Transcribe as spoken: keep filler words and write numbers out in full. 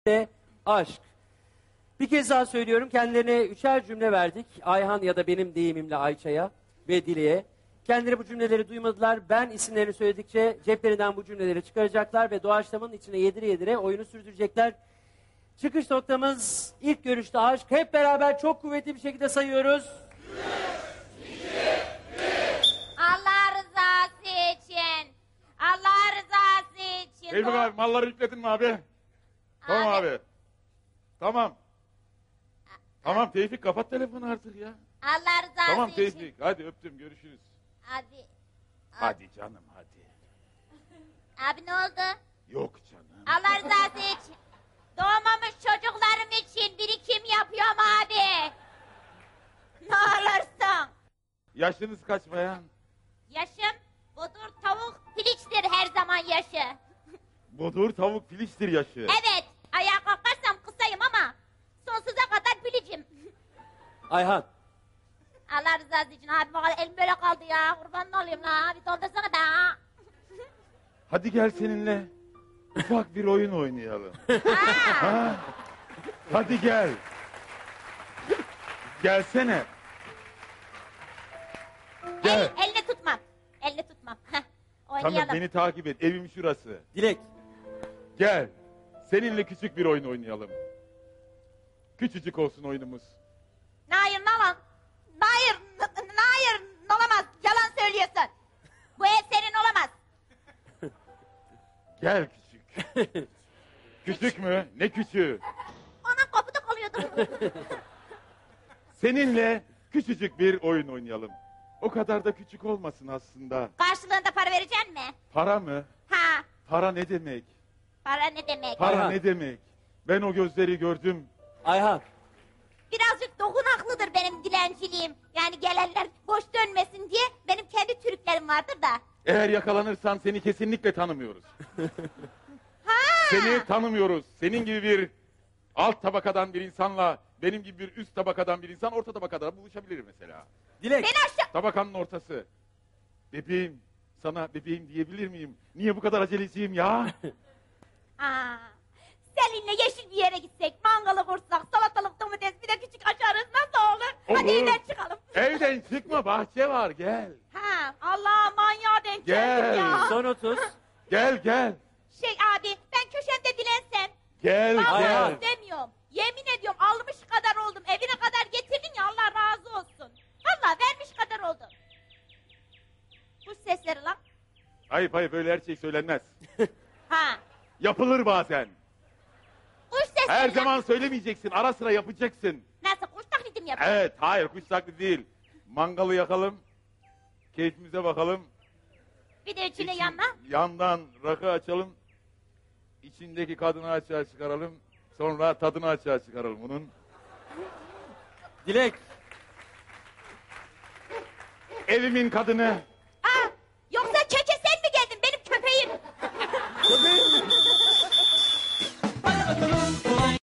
ve aşk. Bir kez daha söylüyorum, kendilerine üçer cümle verdik. Ayhan ya da benim deyimimle Ayça'ya ve Dile'ye. Kendileri bu cümleleri duymadılar. Ben isimlerini söyledikçe ceplerinden bu cümleleri çıkaracaklar ve doğaçlamanın içine yedire yedire oyunu sürdürecekler. Çıkış noktamız ilk görüşte aşk. Hep beraber çok kuvvetli bir şekilde sayıyoruz. Allah rızası için. Allah rızası için. Tevfik abi malları yükledin mi abi? Tamam Abi. abi. Tamam. Tamam Tevfik kapat telefonu artık ya. Allah rızası Tamam için. Tevfik hadi öptüm görüşürüz. Hadi. Hadi canım hadi. Abi ne oldu? Yok canım. Allah rızası için. Doğmamış çocuklarım için birikim yapıyorum abi. Ne olursun. Yaşınız kaç bayan? Yaşım budur tavuk piliçtir her zaman yaşı. Budur tavuk filiştir yaşı. Evet ayağa kalkarsam kısayım ama sonsuza kadar pilicim. Ayhan. Allah rızası için abi bak elim böyle kaldı ya kurbanın olayım la abi doldursana da. Hadi gel seninle ufak bir oyun oynayalım. Ha. Ha? Hadi gel. Gelsene. Gel. El, elini tutmam. Elini tutmam. Heh, oynayalım. Tamam beni takip et evim şurası. Dilek. Gel. Seninle küçük bir oyun oynayalım. Küçücük olsun oyunumuz. Hayır nalan. Hayır. n- n- Hayır. Olamaz. Yalan söylüyorsun. Bu ev senin olamaz. Gel küçük. Küçük mü? Ne küçüğü? Ona kapıda kalıyordum. Seninle küçücük bir oyun oynayalım. O kadar da küçük olmasın aslında. Karşılığında para verecek mi? Para mı? Ha. Para ne demek? Para ne demek? Para Ayhan. ne demek? Ben o gözleri gördüm. Ayhan. Birazcık dokunaklıdır benim dilenciliğim. Yani gelenler boş dönmesin diye benim kendi trüklerim vardır da. Eğer yakalanırsan seni kesinlikle tanımıyoruz. Ha. Seni tanımıyoruz. Senin gibi bir alt tabakadan bir insanla benim gibi bir üst tabakadan bir insan orta tabakada buluşabilir mesela. Dilek. Beni aşağı... Tabakanın ortası. Bebeğim, sana bebeğim diyebilir miyim? Niye bu kadar aceleciyim ya? Aa, seninle yeşil bir yere gitsek, mangalı kursak, salatalık, domates, bir de küçük açarız nasıl olur? Hadi Olur. evden çıkalım. Evden çıkma, bahçe var, gel. Ha, Allah manyağa denk Gel. geldim ya. Son otuz. Gel, gel. Şey abi, ben köşemde dilensem. Gel, Vallahi gel. istemiyorum. Yemin ediyorum almış kadar oldum. Evine kadar getirdin ya Allah razı olsun. Vallahi vermiş kadar oldum. Kuş sesleri lan. Hayır, hayır, böyle her şey söylenmez. Ha, Yapılır bazen. kuş sesleri Her lan. zaman söylemeyeceksin, ara sıra yapacaksın. Nasıl kuş taklidim yapıyor? Evet, hayır, kuş taklidi değil. Mangalı yakalım, keyfimize bakalım. Bir de içine İçin- yanma. Yandan rakı açalım. İçindeki kadını açığa çıkaralım. Sonra tadını açığa çıkaralım bunun. Dilek. Evimin kadını. Aa, yoksa köke sen mi geldin benim köpeğim? Köpeğim